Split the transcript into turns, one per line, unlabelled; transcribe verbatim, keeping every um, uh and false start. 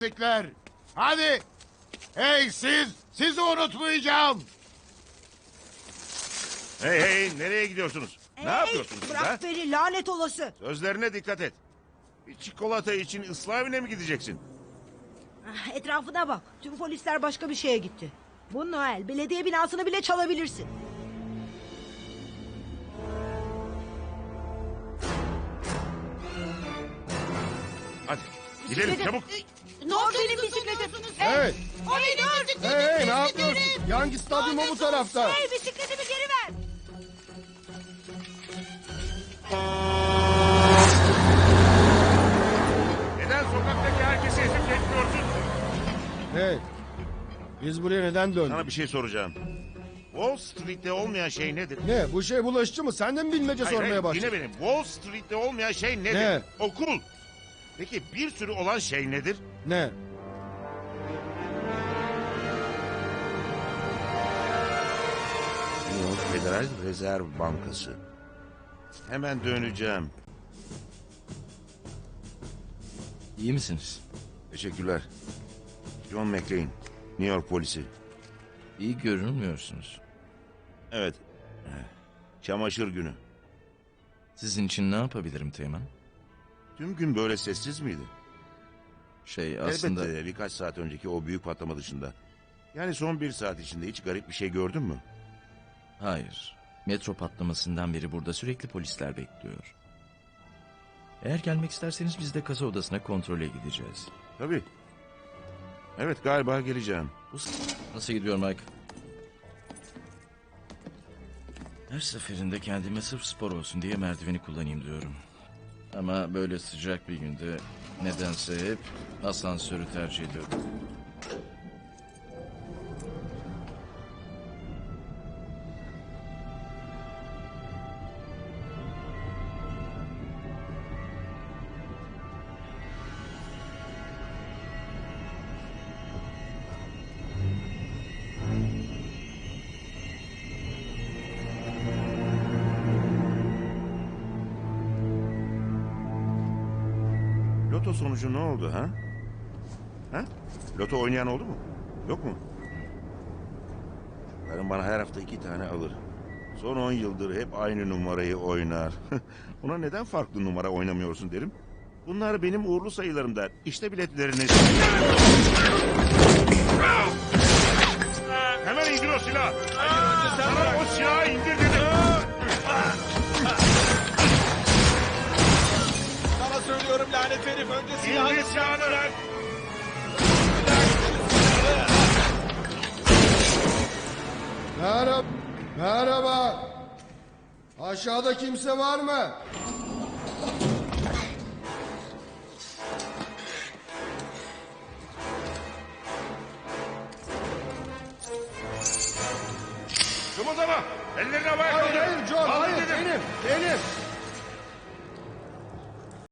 Sikler. Hadi. Hey siz. Sizi unutmayacağım.
Hey hey nereye gidiyorsunuz?
Hey,
Ne yapıyorsunuz siz ha?
bırak beni lanet olası.
Sözlerine dikkat et. Bir çikolata için ıslah evine mi gideceksin?
Ah, etrafına bak. Tüm polisler başka bir şeye gitti. Bu Noel belediye binasını bile çalabilirsin.
Hadi gidelim
Bisikletim-
çabuk.
Dur benim bisikletim.
Hey,
O benim bisikletim.
hey, hey, ne yapıyorsun? Yangi stadyumu bu tarafta.
Hey bisikletimi geri ver.
Neden sokaktaki herkesi ezip geçmiyorsun?
Hey, biz buraya neden döndük?
Sana bir şey soracağım. Wall Street'te olmayan şey nedir?
Ne, bu şey bulaşıcı mı? Sen de mi bilmece
Hayır,
sormaya
hayır,
başladın?
Yine benim. Wall Street'te olmayan şey nedir?
Ne?
Okul. Peki bir sürü olan şey nedir?
Ne?
New York Federal Rezerv Bankası. Hemen döneceğim.
İyi misiniz?
Teşekkürler. John McClane, New York polisi.
İyi görünmüyorsunuz.
Evet. Çamaşır günü.
Sizin için ne yapabilirim Teğmen?
Tüm gün böyle sessiz miydi?
Şey aslında...
Elbette birkaç saat önceki o büyük patlama dışında. Yani son bir saat içinde hiç garip bir şey gördün mü?
Hayır. Metro patlamasından beri burada sürekli polisler bekliyor. Eğer gelmek isterseniz biz de kasa odasına kontrole gideceğiz.
Tabii. Evet galiba geleceğim. Bu
Nasıl gidiyor Mike? Her seferinde kendime sırf spor olsun diye merdiveni kullanayım diyorum. Ama böyle sıcak bir günde nedense hep asansörü tercih ediyorum.
Loto sonucu ne oldu ha? Ha? Loto oynayan oldu mu? Yok mu? Karım bana her hafta iki tane alır. Son on yıldır hep aynı numarayı oynar. Ona neden farklı numara oynamıyorsun derim. Bunlar benim uğurlu sayılarım der. İşte biletleriniz. Hemen indir o silahı. Sana o silahı indir dedim.
Sana söylüyorum lanet herif önce silahını
İndir silahını lan.
Merhaba. Merhaba. Aşağıda kimse var mı?
Kımıldama. Ellerini havaya
Hayır,
kaldır.
hayır John,
Kaldır
hayır.
dedim.
Benim, benim.